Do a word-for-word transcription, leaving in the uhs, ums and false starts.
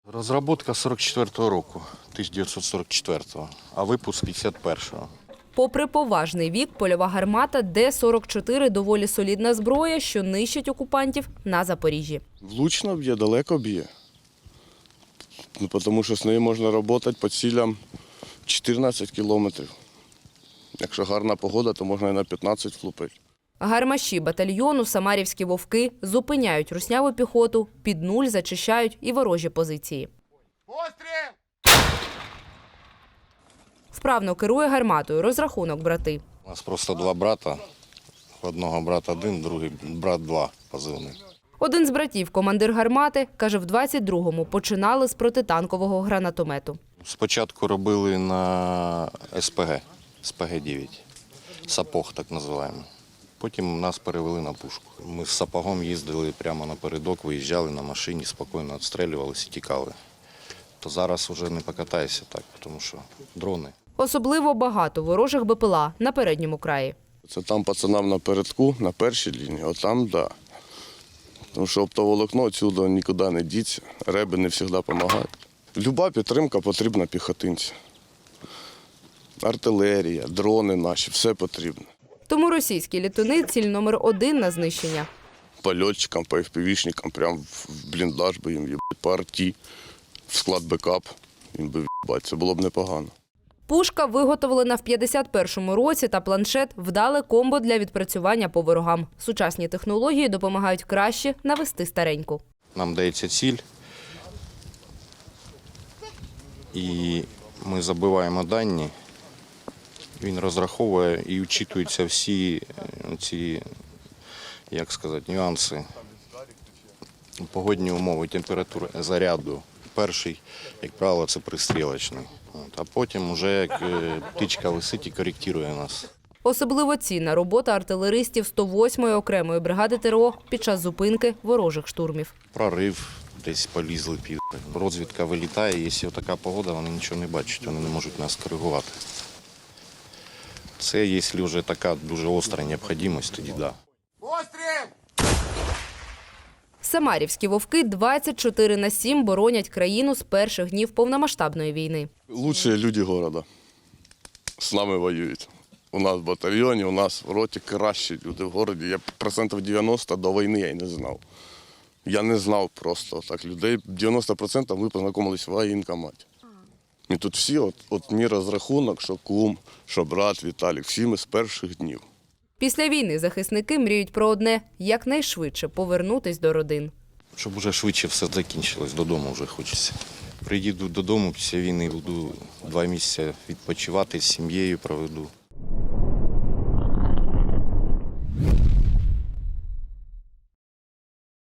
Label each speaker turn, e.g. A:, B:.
A: Розробка сорок четвертого року, тисяча дев'ятсот сорок четвертого, а випуск п'ятдесят першого.
B: Попри поважний вік, польова гармата Д сорок чотири – доволі солідна зброя, що нищить окупантів на Запоріжжі.
C: Влучно б'є, далеко б'є. Ну, тому що з нею можна працювати по цілям чотирнадцять кілометрів. Якщо гарна погода, то можна і на п'ятнадцять влупити.
B: Гармаші батальйону «Самарівські вовки» зупиняють русняву піхоту, під нуль зачищають і ворожі позиції.
D: Постріл!
B: Вправно керує гарматою, розрахунок брати.
A: У нас просто два брата. Одного брат один, другий брат два позивний.
B: Один з братів, командир гармати, каже, в двадцять другому починали з протитанкового гранатомету.
A: Спочатку робили на ес пе ге, ес пе ге дев'ять, сапог так називаємо. Потім нас перевели на пушку. Ми з сапогом їздили прямо напередок, виїжджали на машині, спокійно відстрілювалися і тікали. То зараз вже не покатаєшся так, тому що дрони.
B: Особливо багато ворожих бе пе ел а на передньому краї.
C: Це там пацанам напередку, на першій лінії, отам, так. Да. Тому що оптоволокно відсюди нікуди не діться, реби не завжди допомагають. Люба підтримка потрібна піхотинці. Артилерія, дрони наші, все потрібно.
B: Тому російські літуни – ціль номер один на знищення.
C: Польотчикам, по еф пе вішникам, прямо в бліндаж би їм їбать, по арті, в склад бекап їм би їбать, це було б непогано.
B: Пушка виготовлена в п'ятдесят першому році та планшет – вдале комбо для відпрацювання по ворогам. Сучасні технології допомагають краще навести стареньку.
A: Нам дається ціль, і ми забиваємо дані. Він розраховує і вчитуються всі ці, як сказати, нюанси, погодні умови, температури заряду. Перший, як правило, це пристрілочний. А потім вже як птичка висить і коректує нас.
B: Особливо цінна робота артилеристів сто восьмої окремої бригади те ер о під час зупинки ворожих штурмів.
A: Прорив, десь полізли під. Розвідка вилітає, якщо така погода, вони нічого не бачать, вони не можуть нас коригувати. Це, якщо вже така дуже остра необхідність, тоді так. Да.
D: Постріл!
B: Самарівські вовки двадцять чотири на сім боронять країну з перших днів повномасштабної війни.
C: Лучші люди міста з нами воюють. У нас в батальйоні, у нас в роті кращі люди в місті. Я процентів дев'яносто до війни я й не знав. Я не знав просто так людей. дев'яносто відсотків ми познайомилися в воєнкоматі. І тут всі, от, от мій розрахунок, що кум, що брат Віталік, всі ми з перших днів.
B: Після війни захисники мріють про одне – якнайшвидше повернутись до родин.
A: Щоб вже швидше все закінчилось, додому вже хочеться. Приїду додому після війни, буду два місяці відпочивати, з сім'єю проведу.